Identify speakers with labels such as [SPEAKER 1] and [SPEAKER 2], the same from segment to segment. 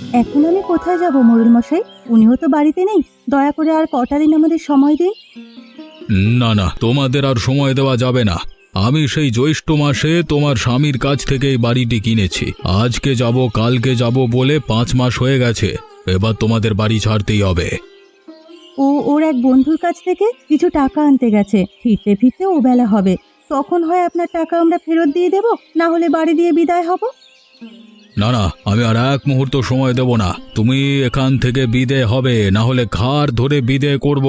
[SPEAKER 1] এখন আমি কোথায় যাব মোড়ল মশাই? উনিও তো বাড়িতে নেই। দয়া করে আর কটা দিন আমাদের সময় দিন।
[SPEAKER 2] না না, তোমাদের আর সময় দেওয়া যাবে না। আমি সেই জ্যৈষ্ঠ মাসে তোমার স্বামীর কাছ থেকে এই বাড়িটি কিনেছি। আজকে যাব কালকে যাব বলে 5 মাস হয়ে গেছে। এবার তোমাদের বাড়ি ছাড়তেই হবে।
[SPEAKER 1] ও ওর এক বন্ধুর কাছ থেকে কিছু টাকা আনতে গেছে। ফিরতে ফিরতে ও বেলা হবে। তখন হয় আপনার টাকা আমরা ফেরত দিয়ে দেব, না হলে বাড়ি দিয়ে বিদায় হব।
[SPEAKER 2] না না, আমি আর এক মুহূর্ত সময় দেব না। তুমি এখান থেকে বিদেয় হবে, না হলে ঘাড় ধরে বিদেয় করব।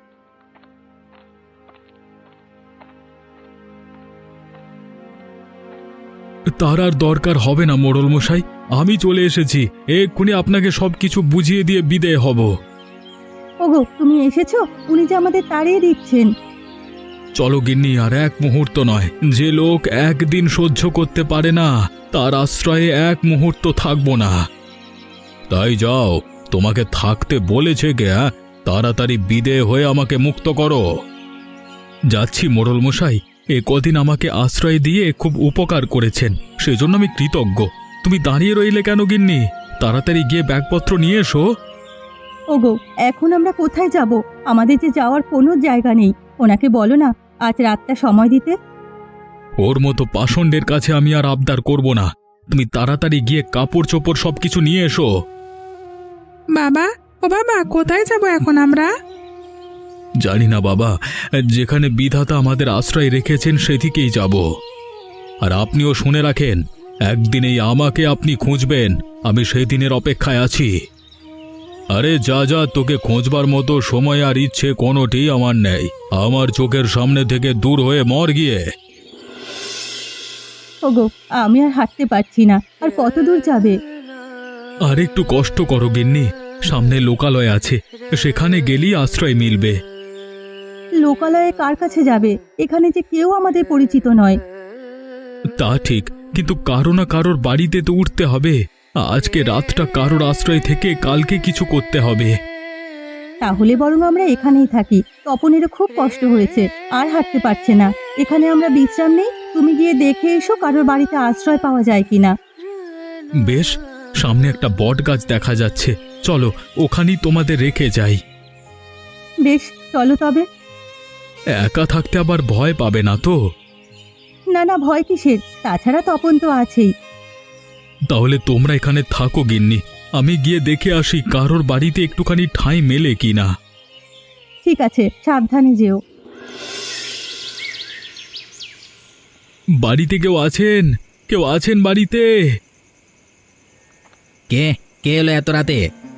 [SPEAKER 2] তার আর দরকার হবে না মোড়ল মশাই, আমি চলে এসেছি। এক্ষুনি আপনাকে সবকিছু বুঝিয়ে দিয়ে বিদেয় হব।
[SPEAKER 1] ওগো, তুমি এসেছো? উনি যে আমাদের তাড়িয়ে দিচ্ছেন।
[SPEAKER 2] চলো গিন্নি, আর এক মুহূর্ত নয়। যে লোক একদিন সহ্য করতে পারে না, তার আশ্রয়ে এক মুহূর্ত থাকবো না। তাই যাও, তোমাকে থাকতে বলেছে কে? তাড়াতাড়ি বিদেয় হয়ে আমাকে মুক্ত করো। যাচ্ছি মোড়ল মশাই, এ কদিন আমাকে আশ্রয় দিয়ে খুব উপকার করেছেন, সেজন্য আমি কৃতজ্ঞ। তুমি দাঁড়িয়ে রইলে কেন গিন্নি? তাড়াতাড়ি গিয়ে ব্যাগপত্র নিয়ে এসো।
[SPEAKER 1] ওগো, এখন আমরা কোথায় যাব? আমাদের যে যাওয়ার কোনো জায়গা নেই। ওনাকে বলো না আজ রাতটা সময় দিতে।
[SPEAKER 2] ওর মতো পাষণ্ডের কাছে আমি আর আবদার করব না। তুমি তাড়াতাড়ি গিয়ে কাপড় চোপড় সবকিছু নিয়ে এসো।
[SPEAKER 3] বাবা, ও বাবা, কোথায় যাব এখন আমরা?
[SPEAKER 2] জানি না বাবা, যেখানে বিধাতা আমাদের আশ্রয় রেখেছেন সেদিকেই যাব। আর আপনিও শুনে রাখেন, একদিনেই আমাকে আপনি খুঁজবেন। আমি সেই দিনের অপেক্ষায় আছি। আরে যা যা, তোকে খোঁজবার মতো সময় আর ইচ্ছে কোনোটি আমার নেই। আমার চোখের সামনে থেকে দূর হয়ে মর গিয়ে।
[SPEAKER 1] ওগো, আমি আর হাঁটতে পারছি না। আর কত দূর যাবে?
[SPEAKER 2] আর একটু কষ্ট করো গিন্নি, সামনে লোকালয় আছে, সেখানে গেলেই আশ্রয় মিলবে।
[SPEAKER 1] লোকালয়ে কার কাছে যাবে? এখানে যে কেউ আমাদের পরিচিত নয়।
[SPEAKER 2] তা ঠিক, কিন্তু কারো না কারোর বাড়িতে তো উঠতে হবে। আজকে রাতটা কারোর আশ্রয় থেকে কালকে কিছু করতে হবে।
[SPEAKER 1] তাহলে বরং আমরা এখানেই থাকি। তপনেরও খুব কষ্ট হয়েছে, আর হাঁটতে পারছে না। এখানে আমরা বিশ্রাম নেই। তুমি গিয়ে দেখে এসো কারোর বাড়িতে আশ্রয় পাওয়া যায় কিনা।
[SPEAKER 2] বেশ, সামনে একটা বট গাছ দেখা যাচ্ছে, চলো ওখানেই তোমাদের রেখে যাই।
[SPEAKER 1] বেশ, চলো তবে।
[SPEAKER 2] একা থাকতে আবার ভয় পাবে না তো?
[SPEAKER 1] না না, ভয় কিসের? তাছাড়া তপন তো আছেই।
[SPEAKER 2] তাহলে তোমরা এখানে থাকো গিন্নি, আমি গিয়ে দেখে আসি কারোর বাড়িতে একটুখানি ঠাঁই মেলে কিনা।
[SPEAKER 1] ঠিক আছে, সাবধানে যেও।
[SPEAKER 2] বাড়িতে কেউ আছেন? কেউ আছেন বাড়িতে?
[SPEAKER 4] কে কে এলো এত রাতে?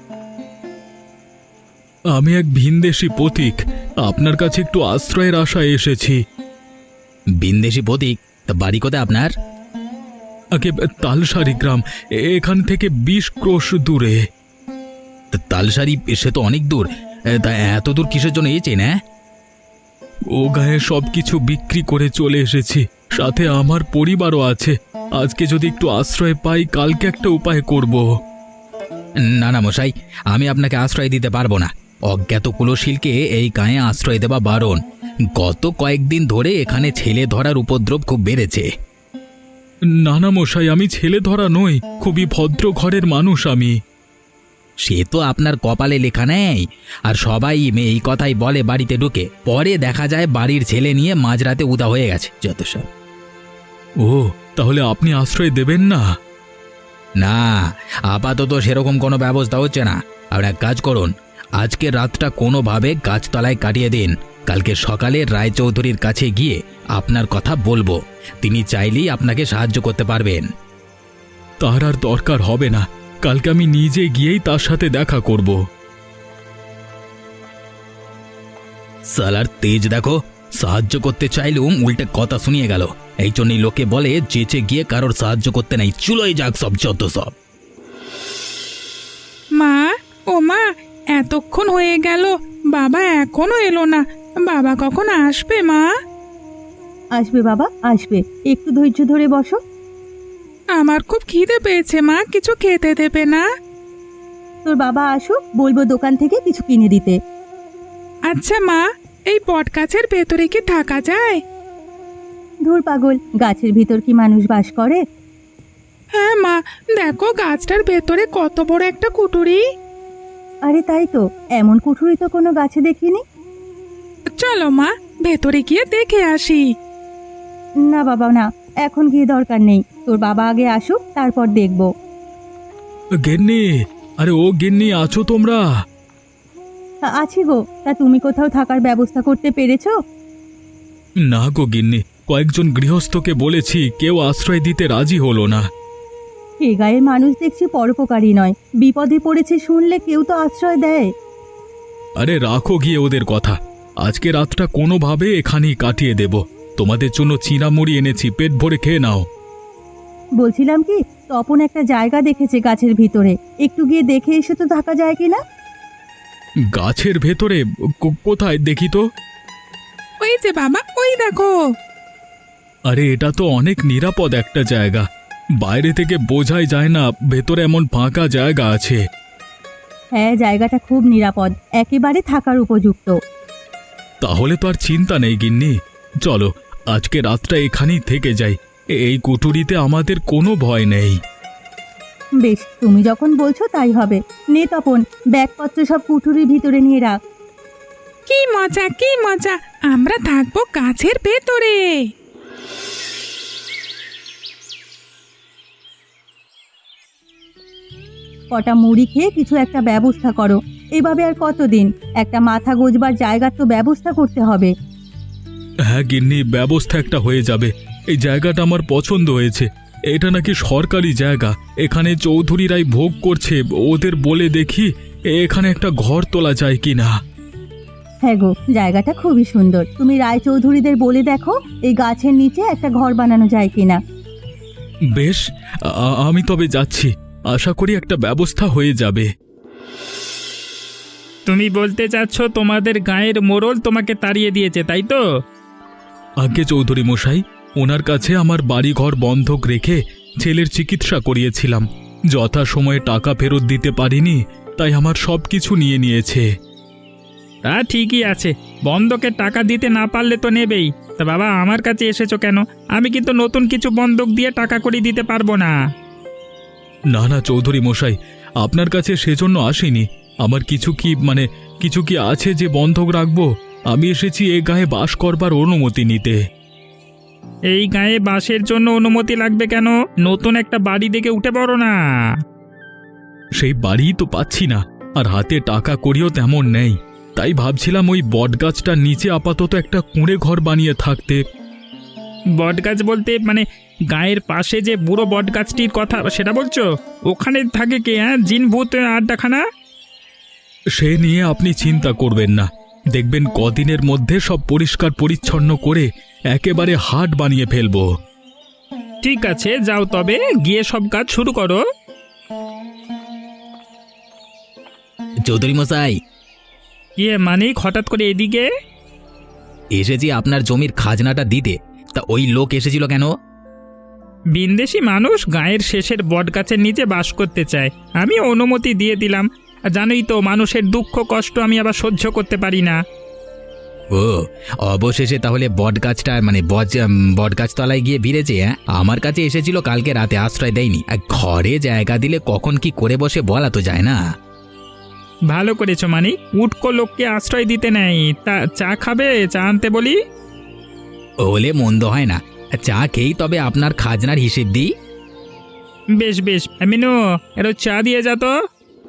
[SPEAKER 2] আমি এক ভিনদেশী পথিক, আপনার কাছে একটু আশ্রয়ের আশায় এসেছি।
[SPEAKER 4] বিন্দেশি প্রতীক? তা বাড়ি কোথায় আপনার?
[SPEAKER 2] আগে তালসারি গ্রাম, এখান থেকে 20 ক্রোশ দূরে।
[SPEAKER 4] তা তালসারি, সে তো অনেক দূর। তা এত দূর কিসের জন্য এসেছেন? হ্যাঁ,
[SPEAKER 2] ও গায়ে সবকিছু বিক্রি করে চলে এসেছি, সাথে আমার পরিবারও আছে। আজকে যদি একটু আশ্রয় পাই, কালকে একটা উপায় করব।
[SPEAKER 4] না না মশাই, আমি আপনাকে আশ্রয় দিতে পারবো না। অজ্ঞাত কুলশীলকে এই গায়ে আশ্রয় দেওয়া বারণ। গত কয়েকদিন ধরে এখানে ছেলে ধরার উপদ্রব খুব বেড়েছে।
[SPEAKER 2] না না মশাই, আমি ছেলে ধরা নই, খুবই ভদ্র ঘরের মানুষ আমি।
[SPEAKER 4] সে তো আপনার কপালে লেখা নেই। আর সবাই এই কথাই বলে বাড়িতে ঢুকে, পরে দেখা যায় বাড়ির ছেলে নিয়ে মাঝরাতে উদা হয়ে গেছে যত সব।
[SPEAKER 2] ও, তাহলে আপনি আশ্রয় দেবেন না?
[SPEAKER 4] না, আপাতত সেরকম কোনো ব্যবস্থা হচ্ছে না। আপনি এক কাজ করুন, আজকে রাতটা কোনোভাবে গাছতলায় কাটিয়ে দিন। কালকে সকালে রায়চৌধুরীর কাছে গিয়ে আপনার কথা বলবো। তিনি চাইলেই আপনাকে সাহায্য করতে পারবেন।
[SPEAKER 2] তার আর দরকার হবে না, কালকে আমি নিজে গিয়েই তার সাথে দেখা করব।
[SPEAKER 4] সালার তেজ দেখো, সাহায্য করতে চাইলেও উল্টে কথা শুনিয়ে গেল। এই জন্যই লোকে বলে চেঁচে গিয়ে কারোর সাহায্য করতে নাই, চুলোই যাক সব যত সব।
[SPEAKER 3] মা, ও মা, এতক্ষণ হয়ে গেল, বাবা এখনো এলো না। বাবা কখন আসবে মা?
[SPEAKER 1] আসবে বাবা, আসবে। একটু ধৈর্য ধরে বসো।
[SPEAKER 3] আমার খুব খিদে পেয়েছে মা, কিছু খেতে দেবে না?
[SPEAKER 1] তোর বাবা আসুক, বলবো দোকান থেকে কিছু কিনে দিতে।
[SPEAKER 3] আচ্ছা মা, এই বট গাছের ভেতরে কি থাকা যায়?
[SPEAKER 1] ধুর পাগল, গাছের ভিতর কি মানুষ বাস করে?
[SPEAKER 3] হ্যাঁ মা, দেখো গাছটার ভেতরে কত বড় একটা কুটুরি।
[SPEAKER 1] আরে তাই তো, এমন কুঠুরি তো কোনো গাছে দেখিনি।
[SPEAKER 3] চলো মা, ভেতরে গিয়ে দেখে আসি।
[SPEAKER 1] না বাবা না, এখন গিয়ে দরকার নেই, তোর বাবা আগে আসুক তারপর দেখব।
[SPEAKER 2] গিন্নি, আরে ও গিন্নি, আছো তোমরা?
[SPEAKER 1] আছি গো, তা তুমি কোথাও থাকার ব্যবস্থা করতে পেরেছো?
[SPEAKER 2] না গো গিন্নি, কয়েকজন গৃহস্থকে বলেছি, কেউ আশ্রয় দিতে রাজি হলো না।
[SPEAKER 1] এ গায়ের মানুষ দেখছি পরোপকারী নয়, বিপদে পড়েছে শুনলে কেউ তো আশ্রয় দেয়।
[SPEAKER 2] আরে রাখো গিয়ে ওদের কথা, আজকে রাতটা কোনোভাবে এখানেই কাটিয়ে দেব। তোমাদের জন্য চিঁড়ামুড়ি এনেছি, পেট ভরে খেয়ে নাও।
[SPEAKER 1] বলছিলাম কি, তপন একটা জায়গা দেখেছে গাছের ভিতরে, একটু গিয়ে দেখে এসে তো থাকা যায় কিনা?
[SPEAKER 2] গাছের ভেতরে? কোথায় দেখি তো।
[SPEAKER 3] ওই যে বাবা, ওই দেখো।
[SPEAKER 2] আরে এটা তো অনেক নিরাপদ একটা জায়গা, বাইরে থেকে বোঝাই যায় না ভেতরে এমন ফাঁকা জায়গা আছে।
[SPEAKER 1] হ্যাঁ, জায়গাটা খুব নিরাপদ, একেবারে থাকার উপযুক্ত।
[SPEAKER 2] তাহলে তো আর চিন্তা নেই গিন্নি, চলো আজকে রাতটা এখানেই থেকে যাই। এই কুটুরিতে আমাদের কোনো ভয় নেই।
[SPEAKER 1] বেশ, তুমি যখন বলছো তাই হবে। নে তপন, ব্যাগপত্র সব কুঠুরির ভিতরে নিয়ে রাখ।
[SPEAKER 3] কি মজা, কি মজা, আমরা থাকবো গাছের ভেতরে।
[SPEAKER 1] কটা মুড়ি খেয়ে কিছু একটা ব্যবস্থা করো। এভাবে আর কতদিন? একটা মাথা গোজবার জায়গার তো ব্যবস্থা করতে হবে।
[SPEAKER 2] হ্যাঁ গিন্নি, ব্যবস্থা একটা হয়ে যাবে। এই জায়গাটা আমার পছন্দ হয়েছে, এটা নাকি সরকারি জায়গা, এখানে চৌধুরীরাই ভোগ করছে। ওদের বলে দেখি এখানে একটা ঘর তোলা যায় কি না।
[SPEAKER 1] হ্যাঁ গো, জায়গাটা খুবই সুন্দর, তুমি রায়চৌধুরীদের বলে দেখো এই গাছের নিচে একটা ঘর বানানো যায় কিনা।
[SPEAKER 2] বেশ, আমি তবে যাচ্ছি, আশা করি একটা ব্যবস্থা হয়ে যাবে।
[SPEAKER 5] তুমি বলতে চাচ্ছ তোমাদের গায়ের মোড়ল তোমাকে তাড়িয়ে দিয়েছে, তাই তো?
[SPEAKER 2] আগে চৌধুরী মশাই, ওনার কাছে আমার বাড়িঘর বন্ধক রেখে ছেলের চিকিৎসা করিয়েছিলাম, যথাসময়ে টাকা ফেরত দিতে পারিনি, তাই আমার সব কিছু নিয়ে নিয়েছে।
[SPEAKER 5] তা ঠিকই আছে, বন্ধকে টাকা দিতে না পারলে তো নেবেই। তা বাবা, আমার কাছে এসেছো কেন? আমি কিন্তু নতুন কিছু বন্ধক দিয়ে টাকা করে দিতে পারবো না।
[SPEAKER 2] না না চৌধুরী মশাই, আপনার কাছে সেজন্য আসিনি। আমার কিছু কি আছে যে বন্ধক রাখবো? আমি এসেছি এ গায়ে বাস করবার অনুমতি নিতে।
[SPEAKER 5] এই গায়ে বাসের জন্য অনুমতি লাগবে কেন? নতুন একটা বাড়ি দেখে উঠে পড়ো না।
[SPEAKER 2] সেই বাড়িই তো পাচ্ছি না, আর হাতে টাকা করিও তেমন নেই, তাই ভাবছিলাম ওই বটগাছটার নিচে আপাতত একটা কুঁড়ে ঘর বানিয়ে থাকতে।
[SPEAKER 5] বটগাছ বলতে মানে গায়ের পাশে যে বুড়ো বটগাছটির কথা সেটা বলছো? ওখানে থাকে কে? হ্যাঁ, জিন ভূত আড্ডাখানা?
[SPEAKER 2] সে নিয়ে আপনি চিন্তা করবেন না, দেখবেন কদিনের মধ্যে সব পরিষ্কার পরিচ্ছন্ন করে একেবারে হাট বানিয়ে ফেলবো।
[SPEAKER 5] ঠিক আছে, যাও তবে, গিয়ে সব কাজ শুরু করো।
[SPEAKER 4] চৌধুরী মশাই,
[SPEAKER 5] মানিক, হঠাৎ করে এদিকে?
[SPEAKER 4] এসেছি আপনার জমির খাজনাটা দিতে। তা ওই লোক এসেছিল কেন?
[SPEAKER 5] বিন্দেশি মানুষ গায়ের শেষের বটগাছের নিচে বাস করতে চায়, আমি অনুমতি দিয়ে দিলাম। আর জানোই তো, মানুষের দুঃখ কষ্ট আমি আবার সহ্য করতে পারি না।
[SPEAKER 4] ও, অবশেষে তাহলে বটগাছটা বটগাছতলায় গিয়ে ভিড়েছে। হ্যাঁ, আমার কাছে এসেছিল কালকে রাতে, আশ্রয় দেয়নি। আর ঘরে জায়গা দিলে কখন কি করে বসে বলা তো যায় না।
[SPEAKER 5] ভালো করেছো মানিক, উটকো লোককে আশ্রয় দিতে নেই। তা চা খাবে? চা আনতে বলি?
[SPEAKER 4] হলে মন্দ হয় না, চা খেয়েই তবে আপনার খাজনার হিসেব দিই।
[SPEAKER 5] বেশ বেশ, মিনু, এর চা দিয়ে যা তো।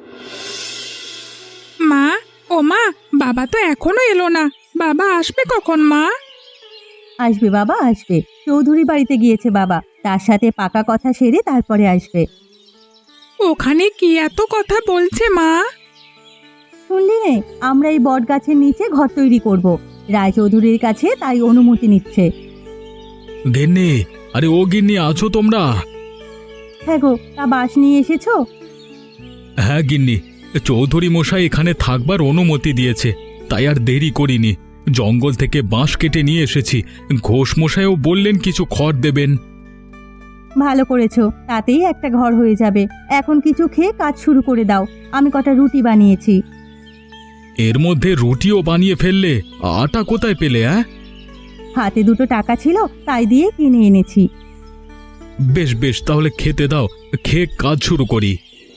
[SPEAKER 3] মা, ও মা, বাবা তো এখনো এলো না, বাবা আসবে কখন মা?
[SPEAKER 1] আসবে বাবা, আসবে। চৌধুরী বাড়িতে গিয়েছে বাবা, তার সাথে পাকা কথা সেরে তারপরে আসবে।
[SPEAKER 3] ওখানে কি এত কথা বলছে মা?
[SPEAKER 1] শুনলি নে, আমরা এই বট গাছের নিচে ঘর তৈরি করব, রায়চৌধুরীর কাছে তাই অনুমতি নিচ্ছে।
[SPEAKER 2] গিন্নি, আরে ও গিন্নি, আছো তোমরা?
[SPEAKER 1] হ্যাঁ গো, তা বাস নিয়ে এসেছো?
[SPEAKER 2] হ্যাঁ গিন্নি, চৌধুরী মশাই এখানে থাকবার অনুমতি দিয়েছে, তাই আর দেরি করিনি। জঙ্গল থেকে বাঁশ কেটে নিয়ে এসেছি, ঘোষ মশাইও বললেন কিছু খড় দেবেন।
[SPEAKER 1] ভালো করেছো, তাতেই একটা ঘর হয়ে যাবে। এখন কিছু খেয়ে কাজ শুরু করে দাও, আমি কটা রুটি বানিয়েছি।
[SPEAKER 2] এর মধ্যে রুটিও বানিয়ে ফেললে? আটা কোথায় পেলে?
[SPEAKER 1] হাতে দুটো টাকা ছিল, তাই দিয়ে কিনে এনেছি।
[SPEAKER 2] বেশ বেশ, তাহলে খেতে দাও, খেয়ে কাজ শুরু করি।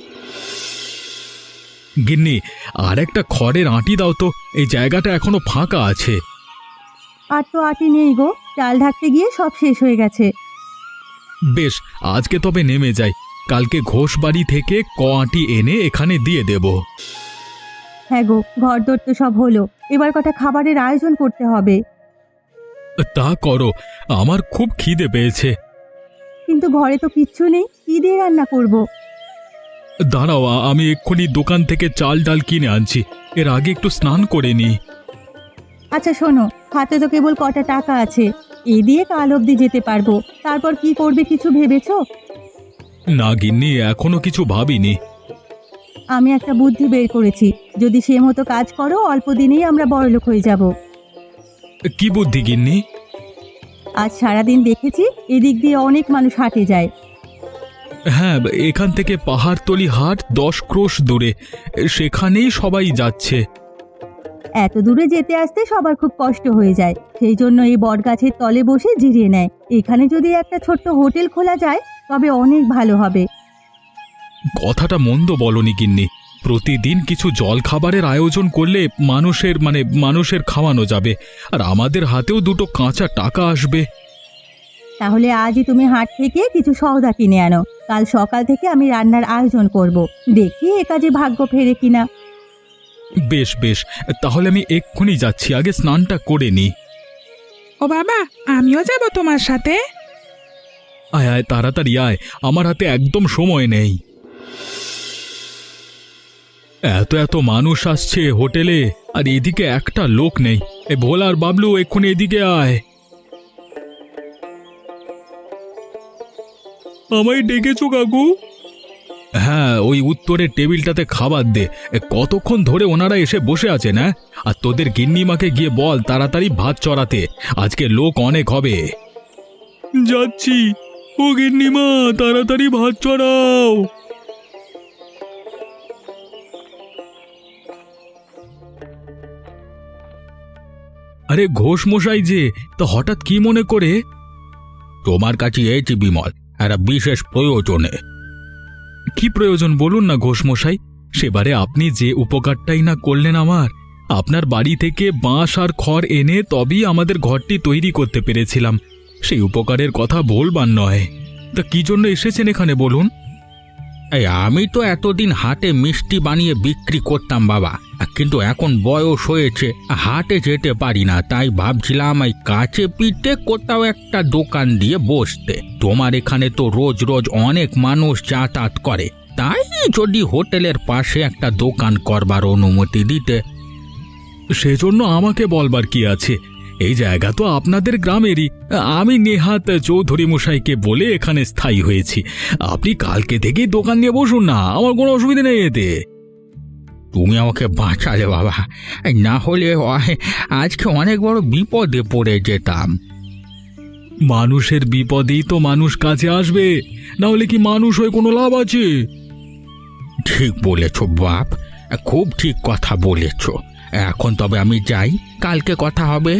[SPEAKER 2] গিন্নি, আর একটা খড়ের আঁটি দাও তো, এই জায়গাটা এখনো ফাঁকা আছে।
[SPEAKER 1] আর তো আটি নেই গো, চাল ঢাকতে গিয়ে সব শেষ হয়ে গেছে।
[SPEAKER 2] বেশ, আজকে তবে নেমে যাই, কালকে ঘোষ বাড়ি থেকে আঁটি এনে এখানে দিয়ে দেব।
[SPEAKER 1] হ্যাঁ গো, ঘরদোর তো সব হলো, এবার কটা খাবারের আয়োজন করতে হবে।
[SPEAKER 2] তা করো, আমার খুব খিদে পেয়েছে।
[SPEAKER 1] কিন্তু ঘরে তো কিচ্ছু নেই, কি দিয়ে রান্না করব।
[SPEAKER 2] দাঁড়াও, আমি এক্ষুনি দোকান থেকে চাল ডাল কিনে আনছি, এর আগে একটু স্নান করে নি।
[SPEAKER 1] আচ্ছা শোনো, হাতে তো কেবল কটা টাকা আছে, এই দিয়ে কাল অবধি যেতে পারবো। তারপর কি করবে কিছু ভেবেছো?
[SPEAKER 2] না গিন্নি, এখনো কিছু ভাবিনি।
[SPEAKER 1] আমি একটা বুদ্ধি বের করেছি, যদি সে মতো কাজ করো অল্প দিনেই আমরা বড়লোক হয়ে যাব।
[SPEAKER 2] কি বুদ্ধি গিন্নি?
[SPEAKER 1] আজ সারাদিন দেখেছি এদিক দিয়ে অনেক মানুষ হাটে যায়।
[SPEAKER 2] হ্যাঁ, এখান থেকে পাহাড়তলি হাট 10 ক্রোশ দূরে, সেখানেই সবাই যাচ্ছে।
[SPEAKER 1] এত দূরে যেতে আসতে সবার খুব কষ্ট হয়ে যায়, সেই জন্য এই বটগাছের তলে বসে জিরিয়ে নেয়। এখানে যদি একটা ছোট্ট হোটেল খোলা যায় তবে অনেক ভালো হবে।
[SPEAKER 2] কথাটা মন্দ বলনি গিন্নি, প্রতিদিন কিছু জল খাবারের আয়োজন করলে মানুষের খাওয়ানো যাবে, আর আমাদের হাতেও দুটো কাঁচা টাকা আসবে।
[SPEAKER 1] তাহলে আজই তুমি হাট থেকে কিছু সওদা কিনে আনো, কাল সকাল থেকে আমি রান্নার আয়োজন করব। দেখি এ কাজে ভাগ্য ফেরে কিনা।
[SPEAKER 2] বেশ বেশ, তাহলে আমি এক্ষুনি যাচ্ছি, আগে স্নানটা করে নি।
[SPEAKER 3] ও বাবা, আমিও যাব তোমার সাথে।
[SPEAKER 2] আয় আয়, তাড়াতাড়ি আয়, আমার হাতে একদম সময় নেই। এত এত মানুষ আসছে হোটেলে, আর এদিকে একটা লোক নেই। এ ভোলা আর বাবলু, এক্ষুনি এদিকে আয়। আমায় ডেকেছো কাকু? হ্যাঁ, ওই উত্তরের টেবিলটাতে খাবার দে। কতক্ষণ ধরে ওনারা এসে বসে আছেন, হ্যাঁ? আর তোদের গিন্নিমাকে গিয়ে বল তাড়াতাড়ি ভাত চড়াতে, আজকে লোক অনেক হবে। যাচ্ছি। ও গিন্নিমা, তাড়াতাড়ি ভাত চড়াও। আরে ঘোষ মশাই যে, তা হঠাৎ কি মনে করে? তোমার কাছে এসেছি বিমল, একটা বিশেষ প্রয়োজনে। কি প্রয়োজন বলুন না ঘোষ মশাই, সেবারে আপনি যে উপকারটাই না করলেন আমার। আপনার বাড়ি থেকে বাঁশ আর খড় এনে তবেই আমাদের ঘরটি তৈরি করতে পেরেছিলাম, সেই উপকারের কথা বলবার নয়। তা কি জন্য এসেছেন এখানে বলুন?
[SPEAKER 4] এই আমি তো এতদিন হাটে মিষ্টি বানিয়ে বিক্রি করতাম বাবা, কিন্তু এখন বয়স হয়েছে, হাটে যেতে পারি না, তাই ভাবছিলাম এই কাছে পিঠে কোথাও একটা দোকান দিয়ে বসতে। তোমার এখানে তো রোজ রোজ অনেক মানুষ যাতায়াত করে, তাই যদি হোটেলের পাশে একটা দোকান করবার অনুমতি দিতে।
[SPEAKER 2] সেজন্য আমাকে বলবার কি আছে, এই জায়গা তো আপনাদের গ্রামেরই। আমি নেহাত চৌধুরী মশাইকে বলে এখানে স্থায়ী হয়েছি। আপনি কালকে থেকেই দোকান নিয়ে বসুন না, আমার কোনো অসুবিধা নেই এতে।
[SPEAKER 4] তুমি আমাকে বাঁচালে বাবা, না হলে আজকে অনেক বড় বিপদে পড়ে যেতাম।
[SPEAKER 2] মানুষের বিপদেই তো মানুষ কাছে আসবে, না হলে কি মানুষ হয়ে কোনো লাভ আছে?
[SPEAKER 4] ঠিক বলেছ বাপ, খুব ঠিক কথা বলেছ। এখন তবে আমি যাই, কালকে কথা হবে।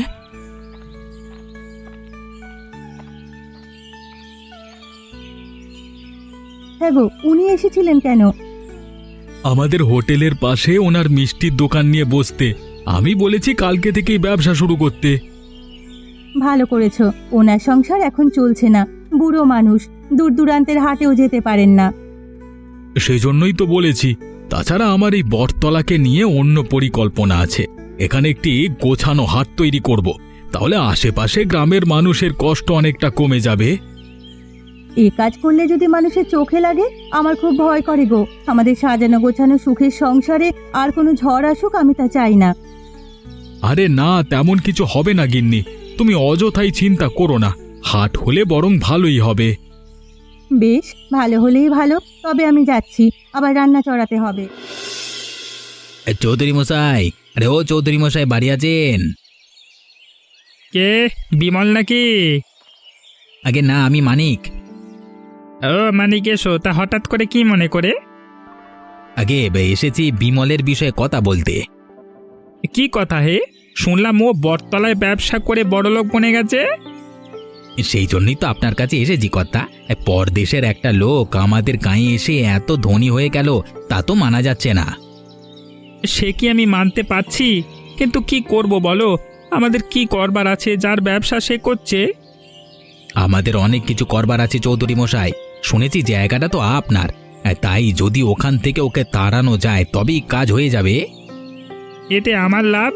[SPEAKER 1] হ্যাঁ গো, উনি এসেছিলেন কেন?
[SPEAKER 2] আমাদের হোটেলের পাশে ওনার মিষ্টির দোকান নিয়ে বসতে। আমি বলেছি কালকে থেকেই ব্যবসা শুরু করতে।
[SPEAKER 1] ভালো করেছো, ওনার সংসার এখন চলছে না, বুড়ো মানুষ, দূর দূরান্তের হাটেও যেতে পারেন না।
[SPEAKER 2] সেই জন্যই তো বলেছি। তাছাড়া আমার এই বটতলাকে নিয়ে অন্য পরিকল্পনা আছে। এখানে একটি গোছানো হাট তৈরি করব, তাহলে আশেপাশে গ্রামের মানুষের কষ্ট অনেকটা কমে যাবে।
[SPEAKER 1] এই কাজ করলে যদি মানুষের চোখে লাগে, আমার খুব ভয় করে গো। আমাদের সাজানো গোছানো সুখের সংসারে আর কোনো ঝড় আসুক, আমি তা চাই না।
[SPEAKER 2] আরে না, তেমন কিছু হবে না গিন্নি, তুমি অযথাই চিন্তা করো না। হাট হলে বরং ভালোই হবে।
[SPEAKER 1] বেশ, ভালো হলেই ভালো, তবে আমি যাচ্ছি, আবার রান্না চড়াতে হবে।
[SPEAKER 4] চৌধুরী মশাই, আরে ও চৌধুরী মশাই, বাড়ি আছেন?
[SPEAKER 5] কে, বিমল নাকি?
[SPEAKER 4] আগে না, আমি মানিক।
[SPEAKER 5] ও মানিক, এসো। তা হঠাৎ করে কি মনে করে?
[SPEAKER 4] আগে এসেছি বিমলের বিষয়ে কথা বলতে।
[SPEAKER 5] কি কথা হে? শুনলাম ও বটতলায় ব্যবসা করে বড়লোক বনে গেছে।
[SPEAKER 4] সেই জন্যই তো আপনার কাছে এসেছি কর্তা। পরদেশের একটা লোক আমাদের গাঁয়ে এসে এত ধনী হয়ে গেল, তা তো মানা যাচ্ছে না।
[SPEAKER 5] সে কি আমি মানতে পারছি, কিন্তু কি করব বলো? আমাদের কি করবার আছে? যার ব্যবসা সে করছে।
[SPEAKER 4] আমাদের অনেক কিছু করবার আছে চৌধুরী মশাই। শুনেছি জায়গাটা তো আপনার, তাই যদি ওখান থেকে ওকে তাড়ানো যায় তবেই কাজ হয়ে যাবে।
[SPEAKER 5] এতে আমার লাভ?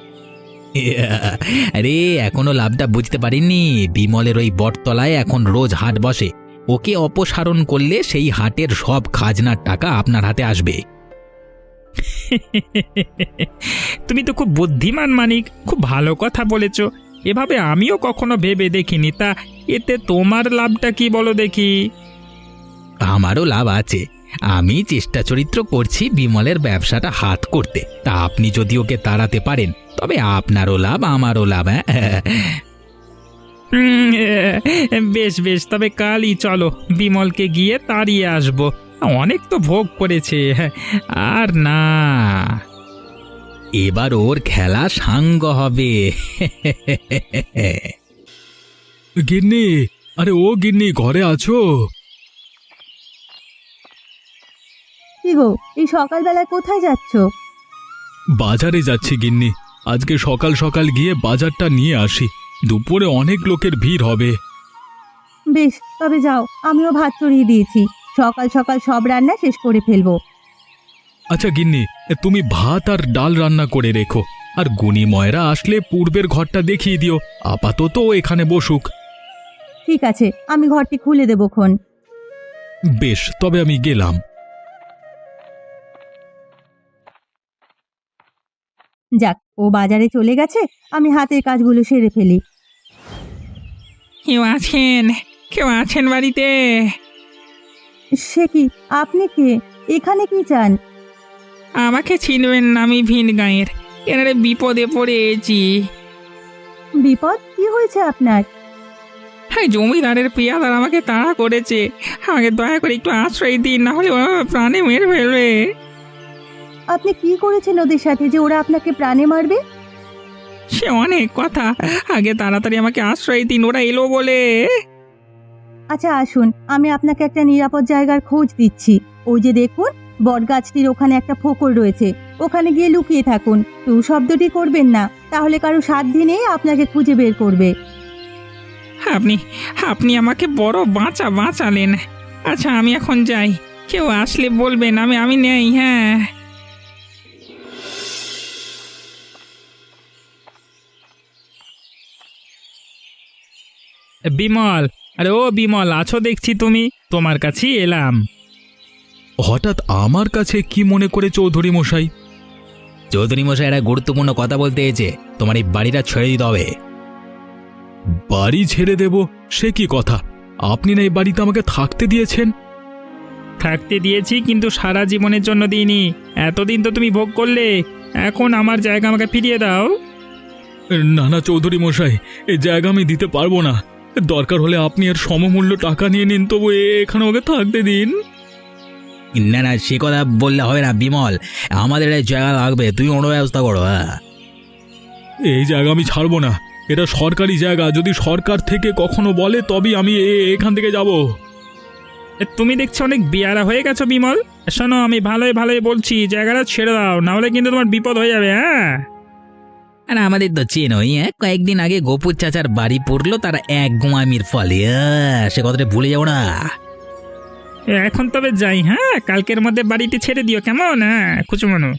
[SPEAKER 4] আরে এখনো লাভটা বুঝতে পারিনি। বিমলের ওই বটতলায় এখন রোজ হাট বসে, ওকে অপসারণ করলে সেই হাটের সব খাজনার টাকা আপনার হাতে আসবে।
[SPEAKER 5] তুমি তো খুব বুদ্ধিমান মানিক, খুব ভালো কথা বলেছ। এভাবে আমিও কখনো ভেবে দেখিনি। তা এতে তোমার লাভটা কি বলো দেখি?
[SPEAKER 4] আমারও লাভ আছে। আমি চেষ্টা চরিত্র করছি বিমলের ব্যবসাটা হাত করতে। তা আপনি যদি ওকে তাড়াতে পারেন তবে আপনারও লাভ আমারও লাভ।
[SPEAKER 5] বেশ বেশ, তবে কালই চলো, বিমলকে গিয়ে তাড়িয়ে আসবো। অনেক তো ভোগ করেছে, আর না।
[SPEAKER 4] এবার ওর খেলা সাঙ্গ হবে।
[SPEAKER 2] গিন্নি, আরে ও গিন্নি, ঘরে আছো?
[SPEAKER 1] কি গো, এই সকালবেলায় কোথায় যাচ্ছ?
[SPEAKER 2] বাজারে যাচ্ছি গিন্নি। আজকে সকাল সকাল গিয়ে বাজারটা নিয়ে আসি, দুপুরে অনেক লোকের ভিড় হবে।
[SPEAKER 1] বেশ, তবে যাও, আমিও ভাত চড়িয়ে দিয়েছি। সকাল সকাল সব রান্না শেষ করে ফেলবো।
[SPEAKER 2] আচ্ছা গিন্নি, তুমি ভাত আর ডাল রান্না করে রেখো, আর গুণী ময়রা আসলে পূর্বের ঘরটা দেখিয়ে দিও। আপাতত ও এখানে বসুক।
[SPEAKER 1] ঠিক আছে, আমি ঘরটি খুলে দেবক্ষণ।
[SPEAKER 2] বেশ, তবে আমি গেলাম।
[SPEAKER 1] যাক, ও বাজারে চলে গেছে, আমি হাতের কাজগুলো সেরে ফেলি।
[SPEAKER 3] কেউ আছেন? কেউ আছেন বাড়িতে?
[SPEAKER 1] সে কি, আপনি কে? এখানে কি চান?
[SPEAKER 3] আমাকে চিনবেন না, আমি ভিন গাঁয়ের। এনারে বিপদে পড়েছি।
[SPEAKER 1] বিপদ? কি হয়েছে আপনার?
[SPEAKER 3] হ্যাঁ, জমিদারের পেয়াদার আমাকে তাড়া করেছে। আমাকে দয়া করে একটু আশ্রয় দিন, না হলে ওরা প্রাণে মেরে ফেলবে।
[SPEAKER 1] আপনি কি করেছেন ওদের সাথে যে ওরা আপনাকে প্রাণে মারবে?
[SPEAKER 3] সে অনেক কথা, আগে তাড়াতাড়ি আমাকে আশ্রয় দিন, ওরা এলো বলে।
[SPEAKER 1] আচ্ছা আসুন, আমি আপনাকে একটা নিরাপদ জায়গার খোঁজ দিচ্ছি। ওই যে দেখুন, বটগাছটির ওখানে একটা ফোকর রয়েছে, ওখানে গিয়ে লুকিয়ে থাকুন। টু শব্দটি করবেন না, তাহলে কারো সাধ্যি নেই আপনাকে খুঁজে বের করবে।
[SPEAKER 3] আপনি আপনি আমাকে বড় বাঁচালেন। আচ্ছা, আমি এখন যাই। কেউ আসলে বলবেন আমি নেই। হ্যাঁ,
[SPEAKER 5] বিমল, আরে ও বিমল, আছো দেখছি তুমি। তোমার কাছেই এলাম।
[SPEAKER 2] হঠাৎ আমার কাছে কি মনে করে চৌধুরী মশাই?
[SPEAKER 4] চৌধুরী মশাই একটা গুরুত্বপূর্ণ কথা বলতে এসেছে। তোমার এই বাড়িটা ছেড়ে দিতে হবে।
[SPEAKER 2] বাড়ি ছেড়ে দেব? সে কি কথা? আপনি না এই বাড়িতে আমাকে থাকতে দিয়েছেন।
[SPEAKER 5] থাকতে দিয়েছি, কিন্তু সারা জীবনের জন্য দিইনি। এতদিন তো তুমি ভোগ করলে, এখন আমার জায়গা আমাকে ফিরিয়ে দাও।
[SPEAKER 2] না না চৌধুরী মশাই, এই জায়গা আমি দিতে পারবো না। দরকার হলে আপনি এর সমমূল্য টাকা নিয়ে নিন, তবু এখানে ওকে থাকতে দিন।
[SPEAKER 4] না না, সে কথা বললে হবে না বিমল। আমাদের এই জায়গা লাগবে, তুমি অন্য ব্যবস্থা করো।
[SPEAKER 2] এই জায়গা আমি ছাড়বো না, এটা সরকারি জায়গা। যদি সরকার থেকে কখনো বলে তবেই আমি এখান থেকে যাব।
[SPEAKER 5] তুমি দেখছি অনেক বেয়ারা হয়ে গেছো বিমল। শোনো, আমি ভালোই ভালোই বলছি, জায়গাটা ছেড়ে দাও, না হলে কিন্তু তোমার বিপদ হয়ে যাবে। হ্যাঁ,
[SPEAKER 4] আর আমাদের তো চেনই, কয়েকদিন আগে গোপুর চাচার বাড়ি পড়লো তার এক গুমামির ফলে। সে কথাটা ভুলে যাবো না।
[SPEAKER 5] এখন তবে যাই। হ্যাঁ, কালকের মধ্যে বাড়িটি ছেড়ে দিও, কেমন? হ্যাঁ, খুচুমনু।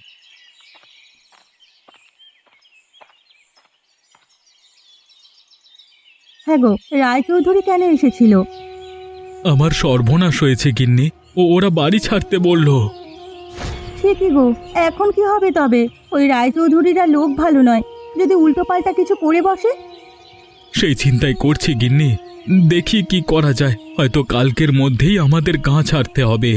[SPEAKER 1] হ্যাঁ গো, রায়চৌধুরী কেন এসেছিল?
[SPEAKER 2] আমার সর্বনাশ হয়েছে গিন্নি, ওরা বাড়ি ছাড়তে বলল।
[SPEAKER 1] সে কি গো, এখন কি হবে তবে? ওই রায়চৌধুরীরা লোক ভালো নয়, যদি উল্টোপাল্টা কিছু করে বসে।
[SPEAKER 2] সেই চিন্তাই করছি গিন্নি, দেখি কি করা যায়। হয়তো কালকের মধ্যেই আমাদের গাঁ ছাড়তে হবে।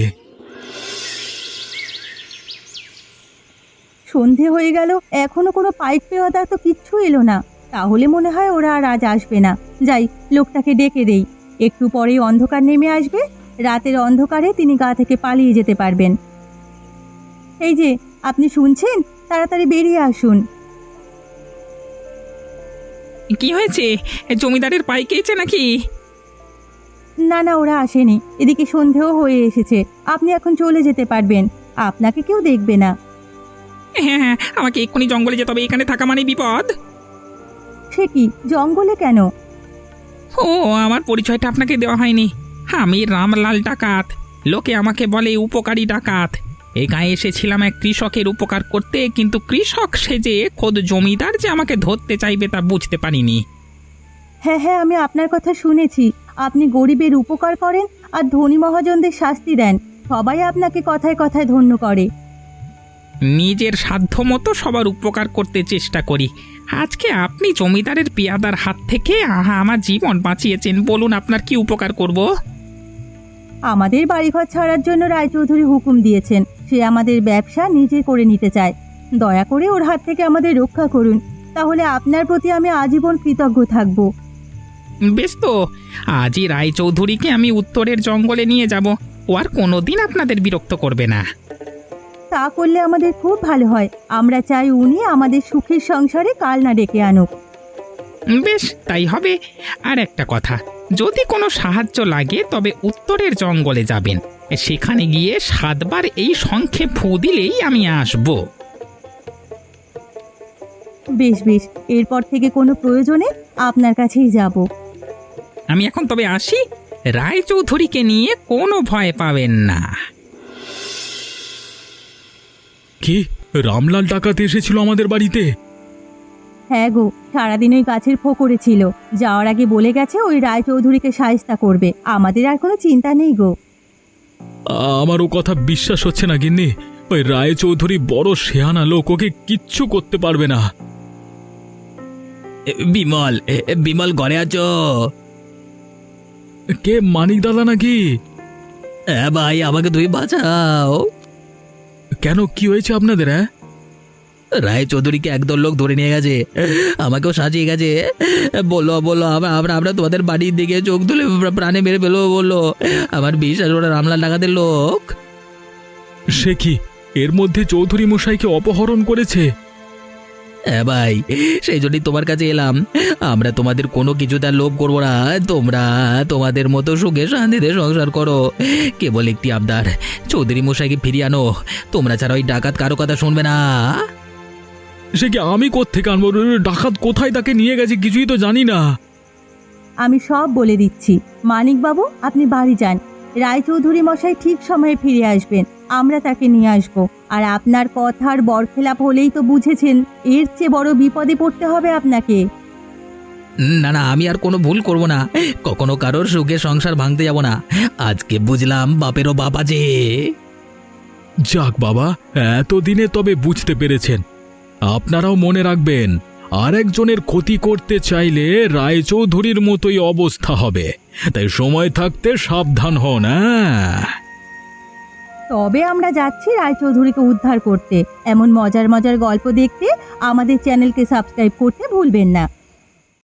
[SPEAKER 1] সন্ধে হয়ে গেল, এখনো কোনো পাইপ পেওয়াদা তো কিচ্ছু এলো না। তাহলে মনে হয় ওরা আর আজ আসবে না। যাই, লোকটাকে ডেকে দেই, একটু পরেই অন্ধকার নেমে আসবে। রাতের অন্ধকারে তিনি গা থেকে পালিয়ে যেতে পারবেন। এই যে, আপনি শুনছেন? তাড়াতাড়ি বেরিয়ে আসুন।
[SPEAKER 3] কি হয়েছে? জমিদারের পাই খেয়েছে নাকি?
[SPEAKER 1] না না, ওরা আসেনি। এদিকে সন্ধেও হয়ে এসেছে। আপনি এখন চলে যেতে পারবেন। আপনাকে কেউ দেখবে না।
[SPEAKER 3] হ্যাঁ হ্যাঁ, আমাকে এক্ষুনি জঙ্গলে যেতে হবে, এখানে থাকা মানে বিপদ।
[SPEAKER 1] সে কি, জঙ্গলে কেন?
[SPEAKER 3] ও, আমার পরিচয়টা আপনাকে দেওয়া হয়নি। আমি রামলাল ডাকাত। লোকে আমাকে বলে উপকারী ডাকাত। এই গায়ে এসেছিলাম এক কৃষকের উপকার করতে, কিন্তু কৃষক সেজে খোদ জমিদার যে আমাকে ধরতে চাইবে তা বুঝতে পারিনি।
[SPEAKER 1] হ্যাঁ হ্যাঁ, আমি আপনার কথা শুনেছি। আপনি গরিবের উপকার করেন আর ধনী মহাজনদের শাস্তি দেন। সবাই আপনাকে কথায় কথায় ধন্য করে।
[SPEAKER 3] নিজের সাধ্য মতো সবার উপকার করতে চেষ্টা করি। আজকে আপনি জমিদারের পেয়াদার হাত থেকে আমার জীবন বাঁচিয়েছেন। বলুন, আপনার কি উপকার করব?
[SPEAKER 1] আমাদের বাড়িঘর ছাড়ার জন্য রায়চৌধুরী হুকুম দিয়েছেন। সে আমাদের ব্যবসা নিজে করে নিতে চায়। দয়া করে ওর হাত থেকে আমাদের রক্ষা করুন। তাহলে আপনার প্রতি আমি আজীবন কৃতজ্ঞ থাকব।
[SPEAKER 3] বেশ তো, আজই রায়চৌধুরীকে আমি উত্তরের জঙ্গলে নিয়ে যাব। ও আর কোনোদিন আপনাদের বিরক্ত করবে না।
[SPEAKER 1] তা করলে আমাদের খুব ভালো হয়। আমরা চাই উনি আমাদের সুখের সংসারে কাল না ডেকে আনুক।
[SPEAKER 3] বেশ, তাই হবে। আর একটা কথা, যদি কোনো সাহায্য লাগে তবে উত্তরের জঙ্গলে যাবেন। সেখানে গিয়ে 7 বার এই শঙ্খে ফু দিলেই আমি আসব।
[SPEAKER 1] বেশ বেশ, এরপর থেকে কোনো প্রয়োজনে আপনার কাছেই যাব।
[SPEAKER 3] আমি এখন তবে আসি। রায়চৌধুরীকে নিয়ে কোনো ভয় পাবেন না।
[SPEAKER 2] কি, রামলাল ডাকাত এসেছিল আমাদের বাড়িতে?
[SPEAKER 1] হ্যাঁ গো, সারাদিন ওই গাছের ফোকরে ছিল। যাওয়ার আগে বলে গেছে ওই রায়চৌধুরীকে শায়েস্তা করবে। আমাদের আর কোনো চিন্তা নেই গো।
[SPEAKER 2] আমার ও কথা বিশ্বাস হচ্ছে না গিন্নি। ওই রায়চৌধুরী বড় শেয়ানা লোক, ওকে কিচ্ছু করতে পারবে না।
[SPEAKER 4] বিমল, বিমল ঘরে আছো?
[SPEAKER 2] কে, মানিক দাদা নাকি?
[SPEAKER 4] হ্যাঁ ভাই, আমাকে তুমি বাঁচাও।
[SPEAKER 2] কেন, কি হয়েছে আপনাদের? হ্যাঁ,
[SPEAKER 4] রায়চৌধুরীকে একদল লোক ধরে নিয়ে গেছে, আমাকেও সাজিয়ে গেছে। বললো বললো আমরা তোমাদের বাড়ির দিকে চোখ তুলে প্রাণে মেরে ফেলো বললো। আমার বিশ্বাস, ওরা রামলাল ডাকাতের লোক।
[SPEAKER 2] সে কি, এর মধ্যে চৌধুরী মশাইকে অপহরণ করেছে?
[SPEAKER 4] হ্যাঁ ভাই, সেই জন্যই তোমার কাছে এলাম। আমরা তোমাদের কোনো কিছু তার লোভ করবো না। তোমরা তোমাদের মতো সুখে শান্তিতে সংসার করো। কেবল একটি আবদার, চৌধুরী মশাইকে ফিরিয়ে আনো। তোমরা ছাড়া ওই ডাকাত কারো কথা শুনবে না।
[SPEAKER 2] সে কি, আমি কোত্থেকে আনবো? ডাকাত কোথায় তাকে নিয়ে গেছে কিছুই তো জানি না।
[SPEAKER 1] আমি সব বলে দিচ্ছি। মানিকবাবু, আপনি বাড়ি যান। রায়চৌধুরী মশাই ঠিক সময়ে ফিরে আসবেন। আমরা তাকে নিয়ে আসব। আর আপনার কথার বরখেলাপ হলেই তো বুঝেছেন, এর চেয়ে বড় বিপদে পড়তে হবে আপনাকে।
[SPEAKER 4] না না, আমি আর কোনো ভুল করব না। কখনো কারোর সুখে সংসার ভাঙতে যাব না। আজকে বুঝলাম বাপেরও বাপ আছে।
[SPEAKER 2] যাক বাবা, এতদিনে তবে বুঝতে পেরেছেন। আপনারাও মনে রাখবেন, আর একজনের ক্ষতি করতে চাইলে রায়চৌধুরীর মতোই অবস্থা হবে। তাই সময় থাকতে সাবধান হন।
[SPEAKER 1] তবে আমরা যাচ্ছি রায়চৌধুরীকে উদ্ধার করতে। এমন মজার মজার গল্প দেখতে আমাদের চ্যানেলকে সাবস্ক্রাইব করতে ভুলবেন না।